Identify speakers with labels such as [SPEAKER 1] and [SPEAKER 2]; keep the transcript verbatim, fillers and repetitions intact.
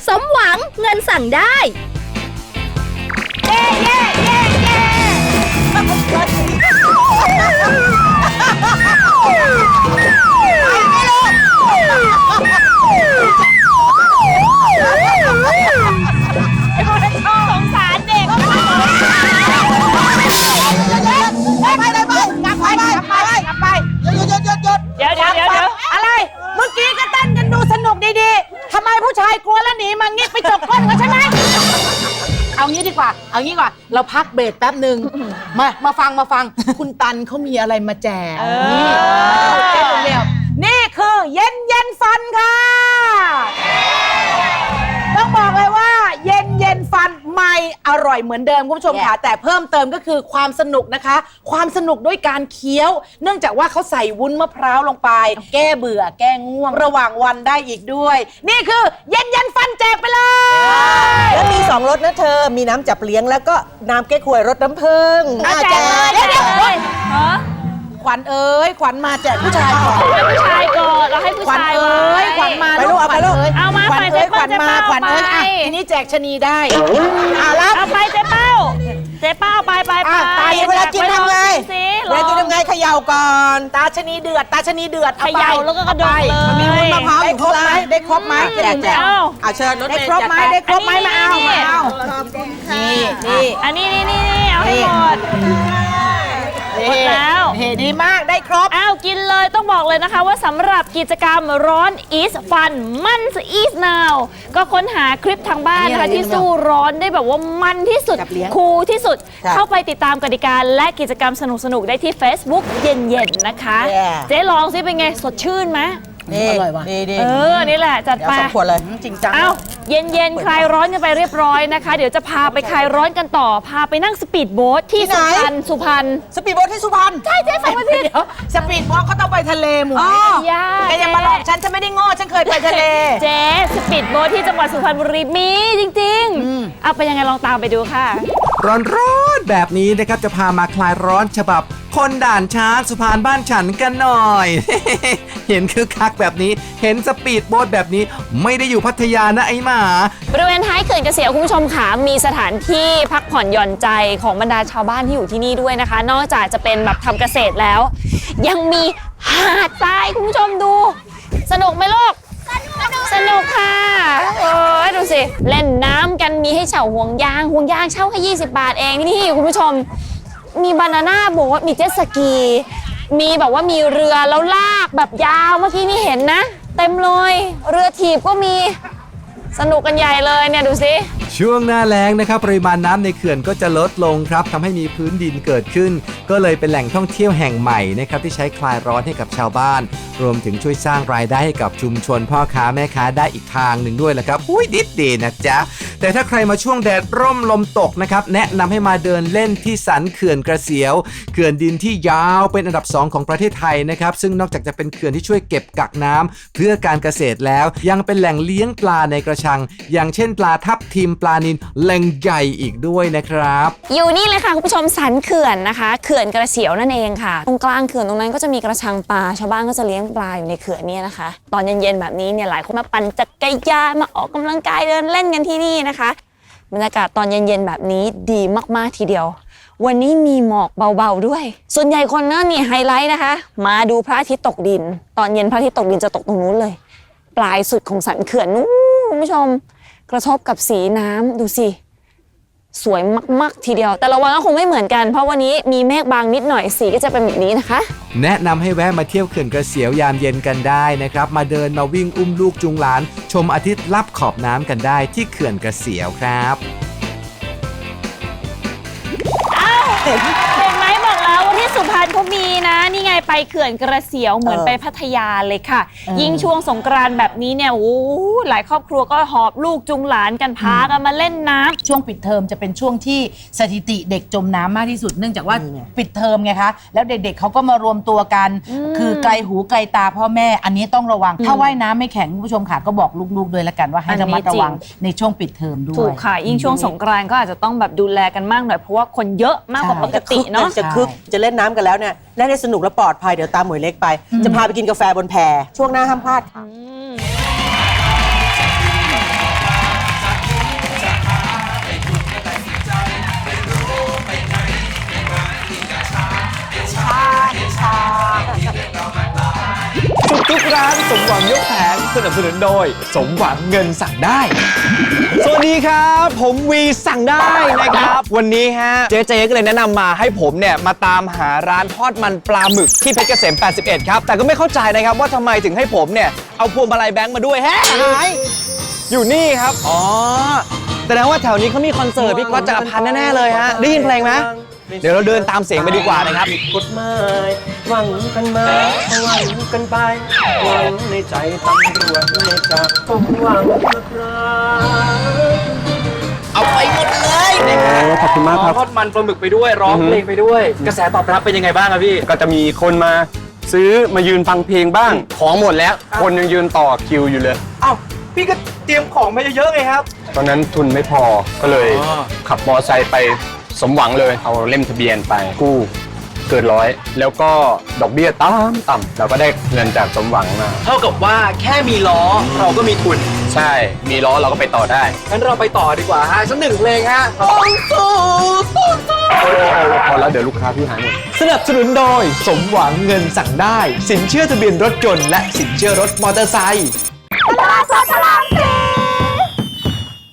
[SPEAKER 1] สมหวังเงินสั่งได้เย้เย้เย้เย้สงสารเด็กไปไปไปไปกลับไปกลับไปกลับไปหยุดหยุดหยุดหยุดเดี๋ยวเดี๋ยวเดี๋ยวอะไรเมื่อกี้ก็เต้นกันดูสนุกดีๆทำไมผู้ชายกลัวแล้วหนีมางี้ไปจกก้นกันใช่ไหมเอางี้ดีกว่าเอางี้ดีกว่าเราพักเบรกแป๊บหนึ่งมามาฟังมาฟังคุณตันเขามีอะไรมาแจกนี่เจ๊เร็วนี่คือเย็นเย็นฟันค่ะต้องบอกเลยว่าเย็นเย็นฟันใหม่อร่อยเหมือนเดิมคุณผู้ชมค่ะแต่เพิ่มเติมก็คือความสนุกนะคะความสนุกด้วยการเคี้ยวเนื่องจากว่าเขาใส่วุ้นมะพร้าวลงไป แก้เบื่อแก้ง่วงระหว่างวันได้อีกด้วยนี่คือเย็นเย็นฟันแจกไปเลย
[SPEAKER 2] แล้วมีสองรสนะเธอมีน้ำจับเลี้ยงแล้วก็น้ำเก๊กฮวยรสน้ำผึ้ง
[SPEAKER 1] แจกเลยเดี๋ยวเดี๋ยวขวัญเอ้ยขวัญมาแจกผู้ชายก่อน
[SPEAKER 3] ให้ผู้ชายก่อนเราให้ผู้ชาย
[SPEAKER 1] ขวัญเอ้ยขวัญมาลูกเอาไปลูก
[SPEAKER 3] เอามา
[SPEAKER 1] ขวัญเอ้ยขวัญมาขวัญเอ้ยอ่ะทีนี้แจกชนีได้อ่ะรับ
[SPEAKER 3] เอาไปเจ๊เป้าเจ๊เป้าไปไปไป
[SPEAKER 1] ตายเวลากินทำไง
[SPEAKER 3] เวลากินทำไง
[SPEAKER 1] เขย่าก่อนตาชนีเดือดตาชนีเดือด
[SPEAKER 3] เขย่าแล้วก็กระโดดเลย
[SPEAKER 1] มีวุ้นมะพร้าวอยู่ครบไหมได้ครบไหมแจกแจกเอาเชิญได้ครบไหมได้ครบไหมมาเอามาเอานี่นี่
[SPEAKER 3] อันนี้นี่นี่เอาให้หมดหมดแล้ว
[SPEAKER 1] เฮ้ดีมากได้ครบ
[SPEAKER 3] อ้าวกินเลยต้องบอกเลยนะคะว่าสำหรับกิจกรรมร้อน is fun มัน is now ก็ค้นหาคลิปทางบ้านนะคะที่สู้ร้อนได้แบบว่ามันที่สุดคูลที่สุดเข้าไปติดตามกติกาและกิจกรรมสนุกๆได้ที่ Facebook เย็นๆนะคะเจ๊ลองซิเป็นไงสดชื่นไหม
[SPEAKER 1] นี่อร่อยว่ะนี่
[SPEAKER 3] เออนี่แหละจัดไป
[SPEAKER 1] สองขวดเลยจริงจัง
[SPEAKER 3] อ้าวเย็นๆคลายร้อนกันไปเรียบร้อยนะคะเดี๋ยวจะพาไปคลายร้อนกันต่อพาไปนั่งสปีดโบ๊ทที่สุพรรณสุพรรณ
[SPEAKER 1] สปีดโบ๊ทที่สุพรรณ
[SPEAKER 3] ใช่เจ๊ฟังไม่ผิด
[SPEAKER 1] เดี๋ยวสปีดโบ๊ทก็ต้องไปทะเลหมู
[SPEAKER 3] ยา
[SPEAKER 1] แกอย่ามาหลอกฉันฉันไม่ได้โง่ฉันเคยไปทะเล
[SPEAKER 3] เจ๊สปีดโบ๊ทที่จังหวัดสุพรรณบุรีมีจริงๆเอาไปยังไงลองตามไปดูค่ะ
[SPEAKER 4] ร้อนๆแบบนี้นะครับจะพามาคลายร้อนฉบับคนด่านช้างสุพรรณบ้านฉันกันหน่อย เห็นคึกคักแบบนี้เห็นสปีดโบ๊ทแบบนี้ไม่ได้อยู่พัทยานะไอ้หมา
[SPEAKER 3] บริเวณท้ายเขื่อนเกษียวคุณผู้ชมค่ะมีสถานที่พักผ่อนหย่อนใจของบรรดาชาวบ้านที่อยู่ที่นี่ด้วยนะคะนอกจากจะเป็นแบบทำเกษตรแล้วยังมีหาดทรายคุณผู้ชมดูสนุกไหมลูกสนุกค่ะโอ้ยดูสิเล่นน้ำกันมีให้เช่าห่วงยางห่วงยางเช่าแค่ยี่สิบบาทเองนี่คุณผู้ชมมีบานาน่าโบ๊ทมีเจ็ตสกีมีแบบว่ามีเรือแล้วลากแบบยาวเมื่อกี้นี่เห็นนะเต็มเลยเรือถีบก็มีสนุกกันใหญ่เลยเนี่ยดูสิ
[SPEAKER 4] ช่วงหน้าแล้งนะครับปริมาณน้ำในเขื่อนก็จะลดลงครับทำให้มีพื้นดินเกิดขึ้นก็เลยเป็นแหล่งท่องเที่ยวแห่งใหม่นะครับที่ใช้คลายร้อนให้กับชาวบ้านรวมถึงช่วยสร้างรายได้ให้กับชุมชนพ่อค้าแม่ค้าได้อีกทางหนึ่งด้วยแหละครับอุ้ยดิดดีนะจ๊ะแต่ถ้าใครมาช่วงแดดร่มลมตกนะครับแนะนำให้มาเดินเล่นที่สันเขื่อนกระเสียวเขื่อนดินที่ยาวเป็นอันดับสองของประเทศไทยนะครับซึ่งนอกจากจะเป็นเขื่อนที่ช่วยเก็บกักน้ำเพื่อการเกษตรแล้วยังเป็นแหล่งเลี้ยงปลาในกระชังอย่างเช่นปลาทับทิมปลานิลแหล่งใหญ่อีกด้วยนะครับ
[SPEAKER 3] อยู่นี่เลยค่ะคุณผู้ชมสันเขื่อนนะคะเขื่อนกระเสียวนั่นเองค่ะตรงกลางเขื่อนตรงนั้นก็จะมีกระชังปลาชาวบ้านก็จะเลี้ยงปลาอยู่ในเขื่อนนี้นะคะตอนเย็นๆแบบนี้เนี่ยหลายคนมาปั่นจักรยานมาออกกำลังกายเดินเล่นกันที่นี่นะคะบรรยากาศตอนเย็นๆแบบนี้ดีมากๆทีเดียววันนี้มีหมอกเบาๆด้วยส่วนใหญ่คนนั่นนี่ไฮไลท์นะคะมาดูพระอาทิตย์ตกดินตอนเย็นพระอาทิตย์ตกดินจะตกตรงนู้นเลยปลายสุดของสันเขื่อนนู้นคุณผู้ชมกระทบกับสีน้ำดูสิสวยมากๆทีเดียวแต่ละวันก็คงไม่เหมือนกันเพราะวันนี้มีเมฆบางนิดหน่อยสีก็จะเป็นแบบนี้นะคะ
[SPEAKER 4] แนะนำให้แวะมาเที่ยวเขื่อนกระเสียวยามเย็นกันได้นะครับมาเดินมาวิ่งอุ้มลูกจูงหลานชมอาทิตย์ลับขอบน้ำกันได้ที่เขื่อนกระเสียวครับ
[SPEAKER 3] อ้าวเห็นไหมบอกแล้วว่าที่สุพรรณเขามีนะนี่ไงไปเขื่อนกระเสียวเหมือนไปพัทยาเลยค่ะยิ่งช่วงสงกรานต์แบบนี้เนี่ยโอ้หลายครอบครัวก็หอบลูกจูงหลานกันพากันมาเล่นน้ำ
[SPEAKER 1] ช่วงปิดเทอมจะเป็นช่วงที่สถิติเด็กจมน้ำมากที่สุดเนื่องจากว่าปิดเทอมไงคะแล้วเด็กๆเขาก็มารวมตัวกันคือไกลหูไกลตาพ่อแม่อันนี้ต้องระวังถ้าว่ายน้ำไม่แข็งคุณผู้ชมค่ะก็บอกลูกๆด้วยละกันว่าให้ระมัดระวังในช่วงปิดเทอมด้วย
[SPEAKER 3] ถูกค่ะยิ่งช่วงสงกรานต์ก็อาจจะต้องแบบดูแลกันมากหน่อยเพราะว่าคนเยอะมากกว่าปกติเนาะ
[SPEAKER 2] จะคึกจะเล่นน้ำกันแล้วเนี่ยเล่นให้สนุกและปลอดภัยเดี๋ยวตามหมวยเล็กไปจะพาไปกินกาแฟบนแพช่วงหน้าห้ามพลาดค่ะ
[SPEAKER 1] ค่ะ
[SPEAKER 5] สุดทุกร้านสมหวังยกแผงสนับสนุนโดย สมหวังเงินสั่งได้ สวัสดีครับ ผมวีสั่งได้นะครับ วันนี้ฮะเจ๊เจ๊ก็เลยแนะนำมาให้ผมเนี่ยมาตามหาร้านทอดมันปลาหมึกที่เพชรเกษมแปดสิบเอ็ดครับแต่ก็ไม่เข้าใจนะครับว่าทำไมถึงให้ผมเนี่ยเอาพวงมาลัยแบงค์มาด้วยแฮะอยู่นี่ครับอ๋อแสดงว่าแถวนี้เขามีคอนเสิร์ตพี่ก๊อตจักรพันธ์แน่ๆเลยฮะได้ยินเพลงไหมเดี๋ยวเราเดินตามเสียงไปดีกว่านะครับ
[SPEAKER 6] กฎหมายหวังกันมาหวังกันไปหวังในใจตำรวจไม่จับก็หวังนะครับ
[SPEAKER 5] เอาไปหมดเลยนะฮะ
[SPEAKER 6] ขอบคุณมากครับ
[SPEAKER 5] ทอดมันปลาหมึกไปด้วยร้องเพลงไปด้วย กระแสตอบรับเป็นยังไงบ้างครับพี่
[SPEAKER 6] ก็จะมีคนมาซื้อมายืนฟังเพลงบ้าง ของหมดแล้ว คนยังยืนต่อคิวอยู่เลย
[SPEAKER 5] เอ้าพี่ก็เตรียมของมาเยอะๆไงครับ
[SPEAKER 6] ตอนนั้นทุนไม่พอก็เลย
[SPEAKER 5] อ๋อ
[SPEAKER 6] ขับมอไซค์ไปสมหวังเลย เอาเล่มทะเบียนไปกู้เกินร้อย แล้วก็ดอกเบี้ยต่ำต่ำเราก็ได้เงินจากสมหวังมา
[SPEAKER 5] เท่ากับว่าแค่มีล้อเราก็มีทุน
[SPEAKER 6] ใช่มีล้อเราก็ไปต่อได้
[SPEAKER 5] งั้นเราไปต่อดีกว่าฮะสักหนึ่งเพลงฮะ
[SPEAKER 6] โอ้โหพอแล้วเดี๋ยวลูกค้าพี่หายหมด
[SPEAKER 5] สนับสนุนโดย สมหวังเงินสั่งได้ สินเชื่อทะเบียนรถยนต์และสินเชื่อรถมอเตอร์ไซค์